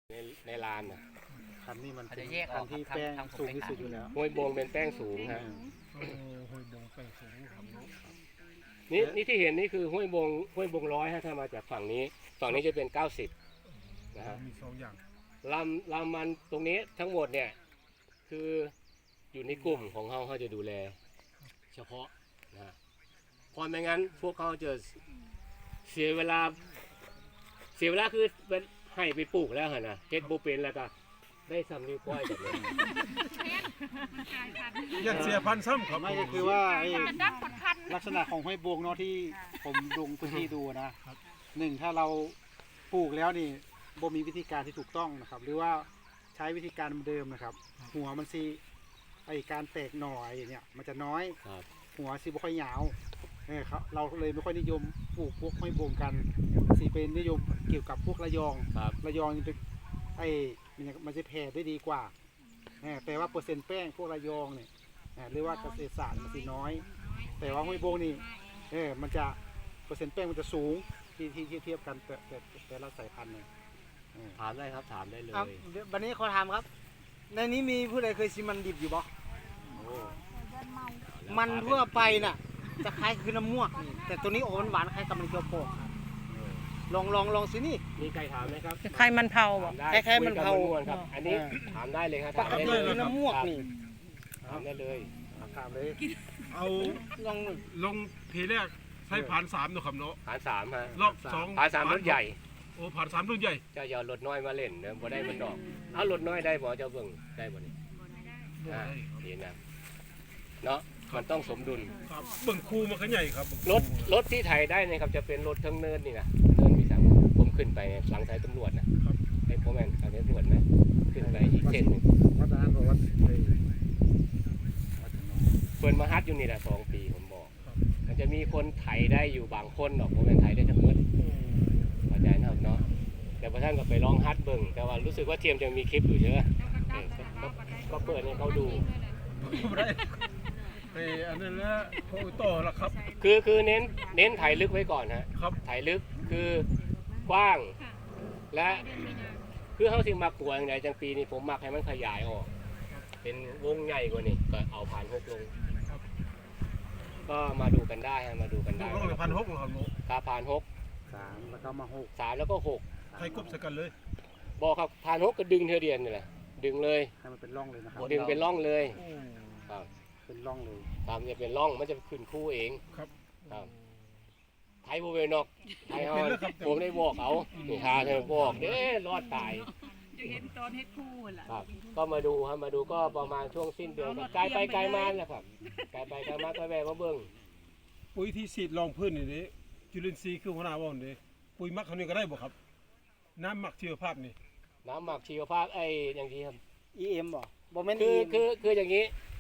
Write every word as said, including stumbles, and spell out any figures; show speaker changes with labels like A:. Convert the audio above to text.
A: ในในลานนะ
B: คันนี้มันเป็น
C: จะแยกอ
B: คั
C: อน ก
B: ที่
C: ครับ
B: แป้ง
C: ทางผม
B: สูง
C: ไป
B: ที่
C: ขาย
B: สุดอยู่แล้ว
A: ห้วยบงเป็นแป้งสูงฮะ
D: โอ้ห้วยบงแป้งสูงครับเนาะ
A: นี่นี่ที่เห็นนี่คือห้วยบงห้วยบงร้อยฮะถ้ามาจากฝั่งนี้ฝั่งนี้จะเป็นเก้าสิบนะฮะ
D: มีสองอย่าง
A: ลำลำมันตรงนี้ทั้งหมดเนี่ยคืออยู่ในกลุ่มของเขาเขาจะดูแลเฉพาะนะฮะเพราะไม่งั้นพวกเขาจะเสียเวลาเสียเวลาคือให้ไปปลูกแล้วฮะนะเฮ็ดโบเป็นแล้วก็ได้ซ้ำนิ้วก้อยแบบนี้
D: ยันเสียพันซ้ำครับ
B: ไม่ก็คือว่าไอ้ลักษณะของห้วยบงเนาะที่ผมลงพื้นที่ดูนะหนึ่งถ้าเราปลูกแล้วนี่บ่มีวิธีการที่ถูกต้องนะครับ หรือว่าใช้วิธีการเดิมนะครับ หัวมันซีไอการแตกหน่อไอเนี่ยมันจะน้อย
A: ครับ
B: หัวซีบ่ค่อยยาวเนี่ยครับเราเลยไม่ค่อยนิยมปลูกพวกห้วยบงกันสีเป็นนิยมเกี่ยวกับพวกระยอง
A: ครับ
B: ระยองนี่เป็นไอ้มันจะมันจะแผ่ได้ดีกว่าเออแต่ว่าเปอร์เซ็นต์แป้งพวกระยองเนี่ยเออหรือว่าเกษตรศาสตร์มันสิน้อย แต่ว่าห้วยบงนี่เออมันจะเปอร์เซ็นต์แป้งมันจะสูงที่ที่ที่เทียบกันแต่แต่แต่ละสายพันธุ์เนี่ยเออ
A: ถามได้ครับถามได้เลย
E: ครับเดี๋ยววันนี้ขอถามครับ ในนี้มีผู้ใดเคยชิมมันดิบอยู่บ่
A: โอ้
E: มันทั่วไปน่ะ จะคล้ายคือน้ำม่วงนี่แต่ตัวนี้โอ้หวานๆคล้ายกับมันเกี๊ยวโปกครับลองลองลองสินี่
A: มีใครถามไหมครับ
F: ใครมันเผาบ่
A: ถามได้
E: คล้ายๆมันเผา
A: คุยกันวนๆครับ อันนี้ถามได้เลยครับ
E: ป
A: ถาม
E: ก
A: ได้
E: ติ
A: เลย
E: คือน้ำม่วง
A: ครับ
E: นี่
A: ถามได้เลย
B: ถามเลย
D: เอา
E: ลอง
D: ลงทีแรกใช้ผ่านสามเนาะครับเนาะ
A: ฐานสามฮะ
D: รอบสอง
A: ฐานสามรถใหญ่
D: โอ้ผ่านสามรุ่นใหญ่
A: เจะยอรถน้อยมาเล่นเนอะบ่ได้มันดอก เอารถน้อยได้บ่เจ้าเบิ่งได้บ่นี่
D: บ่
A: อ่า
D: ได้ครับ
A: ดีนะเนาะมันต้องสมดุล
D: ครับเบิ่งคูมันก็ใหญ่ครับ
A: รถรถที่ไถได้เนะครับจะเป็นรถทั้งเนินนี่นะเนินมีสามผมขึ้นไปหลังสายตำรวจนะครับ ไอ้พ่อแม่นสายตำรวจไหมขึ้นไปอีกเส้นหนึ่ง
B: วัดนั้นบอกว่าไอ้วัดหนอง
A: เพิ่นมาฮัดอยู่นี่แหละสองปีผมบอก มันจะมีคนไถได้อยู่บางคนหรอกพ่อแม่นไถได้ทั้งหมดเข้าใจนะครับเนาะแต่พระท่านก็ไปลองฮัดเบิ่งแต่ว่ารู้สึกว่าเทียมจะมีคลิปอยู่ใช่ไหมเออก็ก็เปิดให้เขาดู
D: บ่ได้ไอ้อันนั้นแหละโอ้ต่อละครับ
A: คือคือเน้นเน้นถ่ายลึกไว้ก่อนฮะ
D: ครับ
A: ถ่ายลึกคือกว้าง และคือเขาสิมากลัวอย่างไรจังปีนี้ผมมักให้มันขยายออก เป็นวงใหญ่กว่านี้ก็เอาผ่านหกลง ก็มาดูกันได้ฮะมาดูกัน
D: ลู
A: ได้
D: กน้องเลยพันหกครับเนาะ
A: ถ้าผ่านหก
B: สามแล้วก็มาหก
A: สามแล้วก็หก
D: ใครกบใส่กันเลย
A: บอกครับผ่านหกก็ดึงเทอเดียนนี่แหละดึงเลย
B: ให้มันเป็นร่องเลยนะครับ
A: ดึงเป็นร่องเลย
D: โอ้
A: ครับ
B: เป็นร่องเลย
A: ครับจะเป็นร่องมันจะขึ้นคู่เอง
D: ครับ
A: ครับไทยโบเวนอกไทยเขาผมได้บอกเอานี่ทาเธอบอกเด้รอดตาย
F: จะเห็นตอนเฮ็ดคู่ล่ะ
A: ครับ ก็มาดูครับมาดูก็ประมาณช่วงสิ้นเดือนครับไกลไปไกลมาแหละครับไกลไปไกลมาก็แวะมาเบิ่ง
D: ปุ๋ยที่ฉีดรองพื้นนี่เด้จุลินทรีย์คือหัวหน้าว่าวนี่ปุ๋ยหมักเขานี่ก็ได้บ่ครับ น้ำหมักชีวภาพนี่
A: น้ำหมักชีวภาพไอ้อย่างที่ครับ
E: อีเอ็มบ่บ่แม่น
A: คือ
E: อีเอ็ม
A: คือคืออย่างนี้